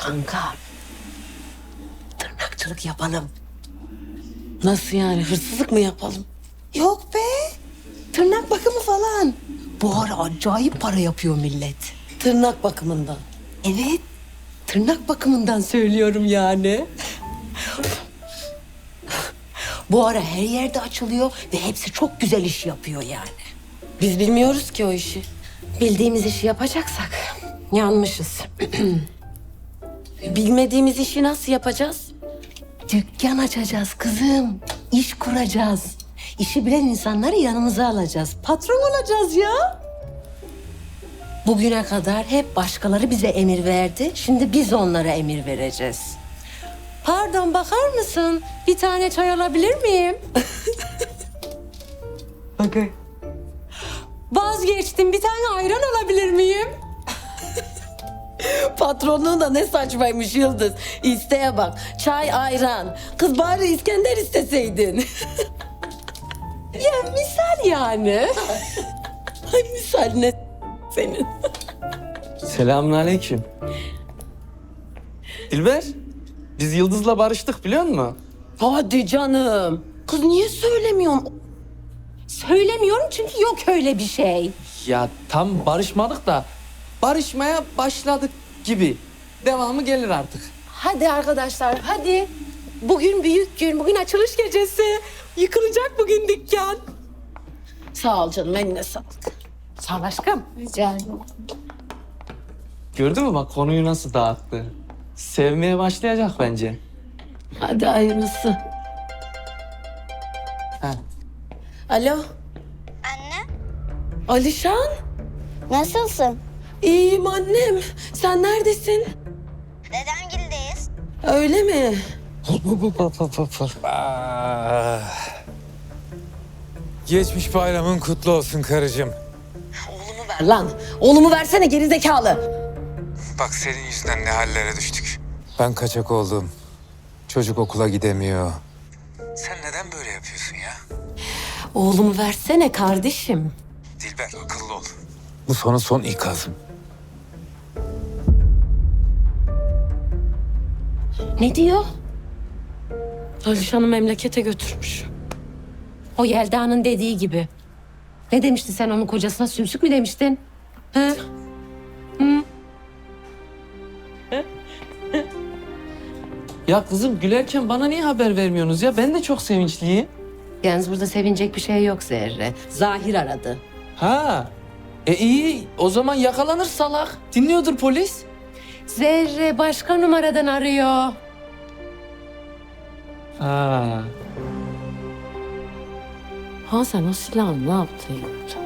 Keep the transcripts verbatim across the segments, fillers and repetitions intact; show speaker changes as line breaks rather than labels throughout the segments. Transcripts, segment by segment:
Kanka. Tırnakçılık yapalım.
Nasıl yani? Hırsızlık mı yapalım?
Yok be. Tırnak bakımı falan. Bu ara acayip para yapıyor millet.
Tırnak bakımından.
Evet. Tırnak bakımından söylüyorum yani. Bu ara her yerde açılıyor ve hepsi çok güzel iş yapıyor yani.
Biz bilmiyoruz ki o işi.
Bildiğimiz işi yapacaksak yanmışız.
Bilmediğimiz işi nasıl yapacağız?
Dükkan açacağız kızım. İş kuracağız. İşi bilen insanları yanımıza alacağız. Patron olacağız ya. Bugüne kadar hep başkaları bize emir verdi. Şimdi biz onlara emir vereceğiz. Pardon, bakar mısın? Bir tane çay alabilir miyim?
Okay.
Vazgeçtim. Bir tane ayran alabilir miyim?
Patronluğun da ne saçmaymış Yıldız. İsteğe bak. Çay, ayran. Kız bari İskender isteseydin.
Ya misal yani.
Ay misal ne senin.
Selamünaleyküm. Dilber, biz Yıldız'la barıştık biliyor musun?
Hadi canım. Kız niye söylemiyorsun?
Söylemiyorum çünkü yok öyle bir şey.
Ya tam barışmadık da barışmaya başladık gibi. Devamı gelir artık.
Hadi arkadaşlar, hadi. Bugün büyük gün, bugün açılış gecesi. Yıkılacak bugün dükkan.
Sağ ol canım, eline sağlık.
Sağ ol aşkım. Rica ederim.
Gördün mü bak konuyu nasıl dağıttı. Sevmeye başlayacak bence.
Hadi hayırlısı.
Ha.
Alo,
Anne,
Alişan.
nasılsın?
İyiyim annem. Sen neredesin?
Dedemgildeyiz.
Öyle mi?
Ah. Geçmiş bayramın kutlu olsun karıcığım.
Ver lan. Oğlumu versene gerizekalı.
Bak senin yüzünden ne hallere düştük. Ben kaçak oldum. Çocuk okula gidemiyor. Sen neden böyle yapıyorsun ya?
Oğlumu versene kardeşim.
Dilber akıllı ol. Bu sana son ikazım.
Ne diyor?
Alişan'ı memlekete götürmüş.
O Yelda'nın dediği gibi. Ne demiştin sen onun kocasına, sümsük mü demiştin? He?
Ya kızım gülerken bana niye haber vermiyorsunuz ya? Ben de çok sevinçliyim.
Yalnız burada sevinecek bir şey yok Zerre. Zahir aradı.
Ha. E iyi o zaman yakalanır salak. Dinliyordur polis.
Zerre başka numaradan arıyor.
Ha.
Ha sen o silahı ne yaptın?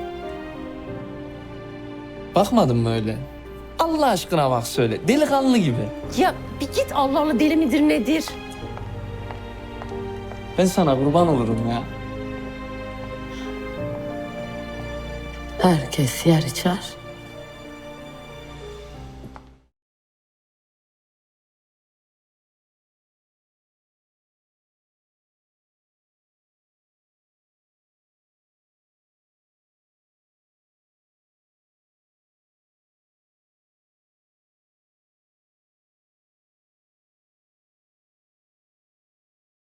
Bakmadın mı öyle? Allah aşkına bak söyle. Delikanlı gibi.
Ya bir git, Allah Allah, deli midir nedir?
Ben sana kurban olurum ya.
Herkes yer içer.